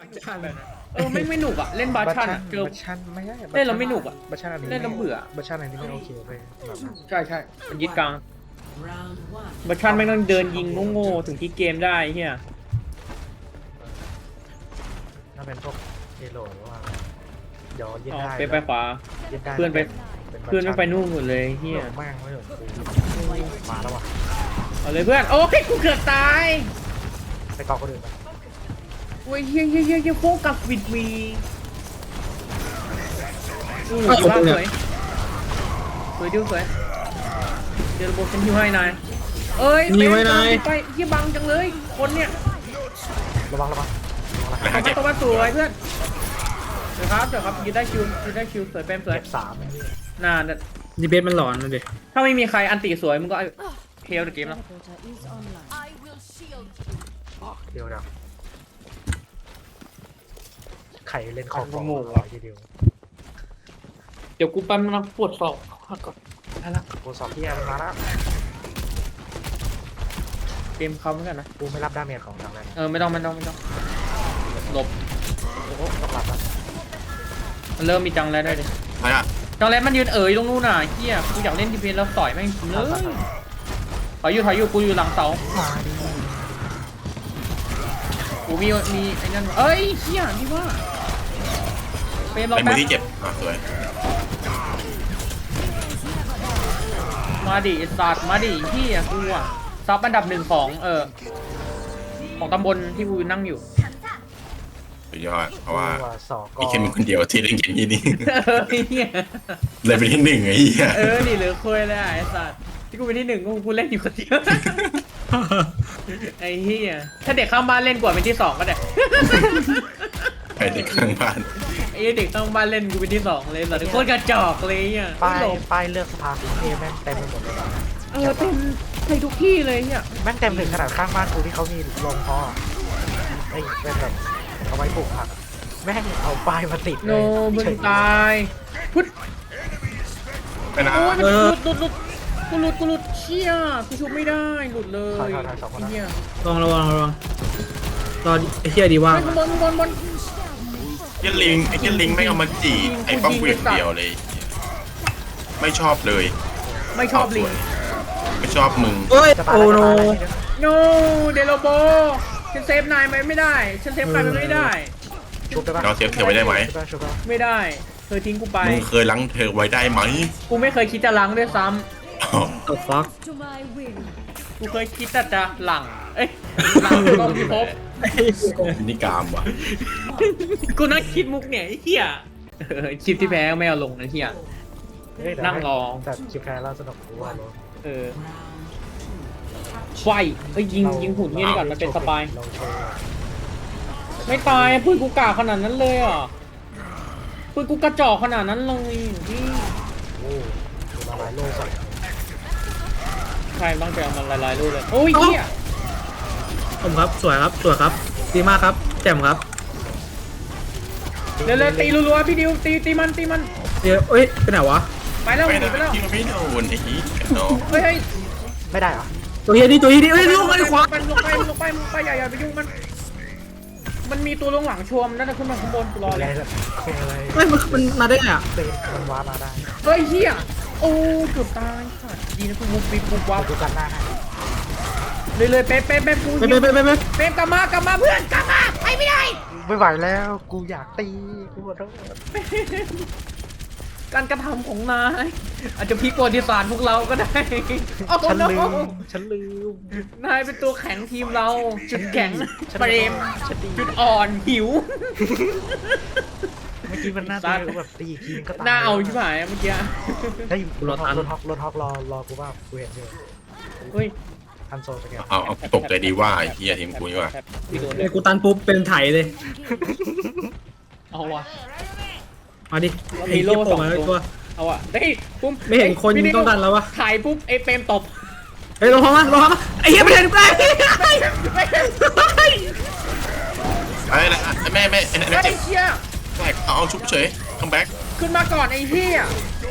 ชันเลยนะไม่หนุกอ่ะเล่นบาชันอ่ะเจอบัชชันไม่ใช่เล่นแล้วไม่หนุกอะบัชชันอันนี้เล่นแล้วเบื่อบัชชันอันนี้ไม่โอเคเลยแบบนั้นใช่มันยึดกลางบาชันไม่ต้องเดินยิงโง่ๆถึงที่เกมได้เฮียถ้าเป็นพวกเอโลหรือว่าเดี๋ยวยึดอ๋อได้ไปขวายึดได้เพื่อนไป เพื่อนไม่ไปนู่นหมดเลยเฮียแม่งไม่เหมือนกูมาแล้วว่ะเอาเลยเพื่อนโอ้ยกูเกือบตายไปกองคนอื่นไปโอ้ยเฮียโฟกัสวิดวีบ้าสวยดิวสวยเดี๋ยวระบบฉันฮิวให้นายเอ้ยไปเฮียบังจังเลยคนเนี่ยระวังต้องมาสวยเพื่อนเดี๋ยวครับยืนได้คิวสวยเป็นสวยเก็บ3นี่น่าดีเบสมันหลอนเลยถ้าไม่มีใครอันตีสวยมึงก็เฮลเกมแล้ว I will shield you. เดี๋ยวไข่เล่นของโง่ทีเดียวเดี๋ยวกูแป๊บนึงนะปวดศอกก่อนได้ละกูสอบที่มันมาแล้วเกมเขาเหมือนกันนะกูไม่รับดาเมจของทางนั้นไม่ต้องหลบโอ้โหต้องรับแล้วมันเริ่มมีจังแล้วได้ดิอะไรอ่ะจังแล้วมันยืนตรงนู้นน่ะเฮียกูอยากเล่นดีเพนแล้วต่อยแม่งเลยถอยอยู่กูอยู่หลังเสามาดิกูมีไอ้นั่นเอ้ยเฮียที่ว่าเฟรมเราเป็นมืแป๊อบ ที่เจ็บสวยมาดิสัตว์มาดิเฮียกูอ่ะซับอันดับ1ของของตำบลที่กูนั่งอยู่สุดยอดเพราะว่าสอกมีแค่มึงคนเดียวที่เล่นเกมนี้นี่เฮียเลยเป็นที่หนึ่งไอ้เหี้ยนี่เหลือคุยเลยไอ้สัตว์ที่กูเป็นที่1กูเล่นอยู่คนเดียวไอ้เฮียถ้าเด็กข้างบ้านเล่นกว่าเป็นที่2ก็ได้ไปเด็กข้างบ้านไอ้เด็กข้างบ้านเล่นกูเป็นที่2เลยสัตว์โคตรกระจอกเลยอ่ะป้ายเลือกสภาคุณเอแม่งเต็มไปหมดเลยเต็มใส่ทุกที่เลยเนี่ยแม่งเต็มถึงขนาดข้างบ้านกูที่เขามีโรงเพาะไอ้เป็นแบบเอาไว้ปลูกผักแม่งเอาป้ายมาติดโนเลยมึงตายพุทธไปนะโอ้ยมันหลุดกูหลุดเชี่ยกูชุบไม่ได้หลุดเลยไอ้เหี้ยระวังรอไอ้เหี้ยดีว่าไอ้ข้างบนไอ้เหี้ยลิงไม่เอามาจีไอ้ป้อมกูอย่างเดียวเลย ไม่ชอบเลยไม่ชอบลิงไม่ชอบมึงเอ้ยจะตายโอ้โนโนเดโลโบฉันเซฟนายไม่ได้ฉันเซฟใครไม่ได้ชุบได้ปะเราเซฟเธอไว้ได้ไหมชุบได้ไม่ได้เธอทิ้งกูไปมึงเคยล้างเธอไว้ได้ไหมกูไม่เคยคิดจะล้างด้วยซ้อ้าวตัวฟัก To my will. ำกูเคยคิดแต่จะหลังหลังกองพิภพนี่กามว่ะกูนั่งคิดมุกเนี่ยไอ้เหี้ยคลิปที่แพ้ไม่เอาลงนะเหี้ย นั่งรอแต่คลิปแพ้แล้วสนุกกูว่าเลยไฟยิงหุ่นเงี้ยนี่ก่อนมันเป็นสปายลองโชว์ไม่ตายปืนกูกาขนาดนั้นเลยอ่ะปืนกูกระจอกขนาดนั้นเลยพี่โอ้ดูละลายโลกก่อนใครบ้างจะเอามันลายๆรูปเลยโอ้ยเหี้ยผมครับสวยครับดีมากครับแจ่มครับเร็วๆตีรัวๆพี่ดิวตีมันเดี๋ยวเอ้ยไปไหนวะไปแล้วไม่หนีนะไปแล้วที่มันไม่โดนไอ้นี้เนาะเฮ้ยไม่ได้เหรอตัวเฮียนี่เอ้ยลูกไอ้ขวามันลงไปอย่าไปยุ่งมันมีตัวลงหลังชวมนั่นน่ะขึ้นมาข้างบนกูรออะไรเลยอะไรเฮ้ยมันมาได้ไงอ่ะเตะมันว้ามาได้เฮ้ยเหี้ยโอ้เกือบตายค่ะดีนะกูมุกปีกูวับดูกันหน้าให้เลยเป๊ะกูไปเป๊ะกลับมาเพื่อนกลับมาไปไม่ได้ไม่ไหวแล้วกูอยากตีกูขอโทษการกระทำของนายอาจจะพลิกประวัติศาสตร์พวกเราก็ได้โอ้ฉันโนลืมนายเป็นตัวแข็งทีมเรา จุดแข็งฉันเปรมฉันดีจุดอ่อนหิวเมื่อกี้มันหน้าตีกูแบบตีทีก็ตายหน้าเอาใช่ไหมเมื่อกี้ได้รถฮอกรอกูว่ากูเห็นอยู่เฮ้ยทันโซสแกนเอาตกใจดีว่าไอ้เหี้ยทีมกูนี่ว่าพี่โดนไอ้กูตันปุ๊บเป็นไถเลยเอาว่ะมาดิไอ้เหี้ยโผล่มาเลยตัวเอาว่ะเฮ้ยปุ๊บไม่เห็นคนต้องดันแล้ววะถ่ายปุ๊บไอ้เปรมตบเฮ้ยลงมาไอ้เหี้ยไม่เห็นกูเลยไอ้ละแม่ไอ้นั่นไอ้เจ็บเชี่ยแตกเอาชุบเฉยคัมแบ็กขึ้นมาก่อนไอ้เหี้ย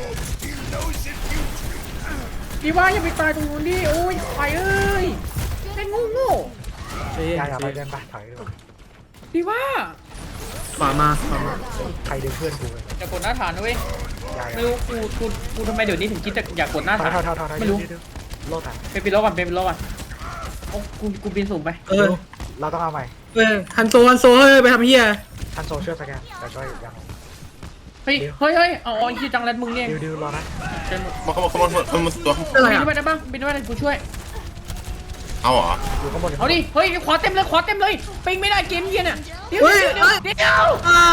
ดีว่าอย่าไปตายตรงนู้นดิโอ้ยไปเอ้ยไอ้งูอย่าไปเดินไปถอยดีว่าขวามาขวามาใครเดินเพื่อนกูเลยอย่ากดหน้าฐานนะเว้ยอย่าไม่รู้กูทำไมเดี๋ยวนี้ถึงคิดจะอยากกดหน้าถอฐาย นถอยถอยถอยไม่รู้โลดอ่ะเป็นปิโลก่อนเป็นปิโลก่อนโอ้กูบินสูงไปเออเราต้องเอาใหม่ฮันโซเฮ้ยไปทำเฮียทันโซช่วยสแกนแต่ก็ยังเฮ้ยเอาไอ้ที่จังแรดมึงเนี่ยดิวรอนะเป็นหมดมาตัวอะไรบินอ่ะไปได้บ้างบินไปได้กูช่วยเอาเหรออยู่ข้างบนเอาดิเฮ้ยขวาเต็มเลยปิงไม่ได้เกมเย็นอ่ะเดี๋ยวเฮ้ยเดี๋ยว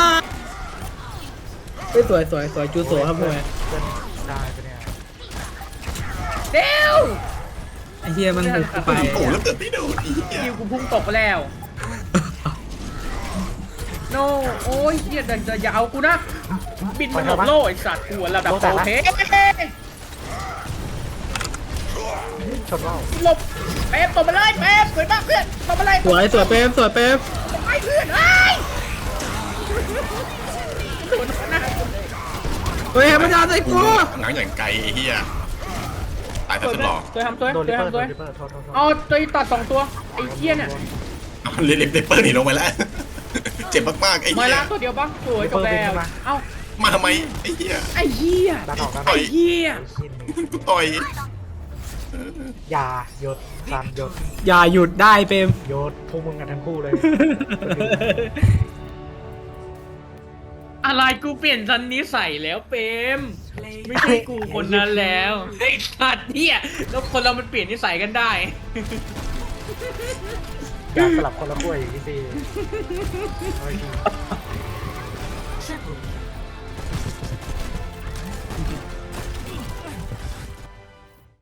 เฮ้ยสวยจูสวยครับเพื่อนเพื่อนได้ไปเนี่ยเดี๋ยวไอ้เฮียมันบุกกูไปโอ้แล้วเกิดไม่โดนอีกคิวกูพุ่งตกไปแล้ว โนโอ้ยเฮียอย่าเอากูนะบินมาหลบโล่ไอ้สัตว์กูระดับโอเคชนว่าวหลบเป๊ปตบมาเลยเป๊ปสวยมากเพื่อนตบมาเลยสวยเป๊ปไปเพื่อนเฮ้ยโดนนะเฮ้ยมันจะใส่กูหนังอย่างไกลไอ้เหี้ยตายแต่สุดหล่อสวยทำสวยโดนสลิวยปเปอร์ทำสวยโดนลิปเปอร์โทษเอาตัวตัด2ตัวไอ้เหี้ยเนี่ยเล็บเปิดหนีลงไปแล้ว เจ็บมากๆไอ้มาเหี้ยละตัวเดียวปะสวยจบแล้วเอ้ามาทำไมไอ้เหี้ยไอ้เหี้ยดันออกดันอต่ออก ยเหี้ยชิ้นหนึ่งกูต่อยอย่าหยดซันหยดอย่าหยุดได้เป๊ปหยดพวกมึงกันทั้งคู่เลยอะไรกูเปลี่ยนซันนี้ใส่แล้วเปมไม่ใช่กูคนนั้นแล้วไอ้สัตว์เนี่ยแล้วคนเรามันเปลี่ยนนิสัยกันได้อยากสลับคนละขั้วอย่างนี้สิโอเค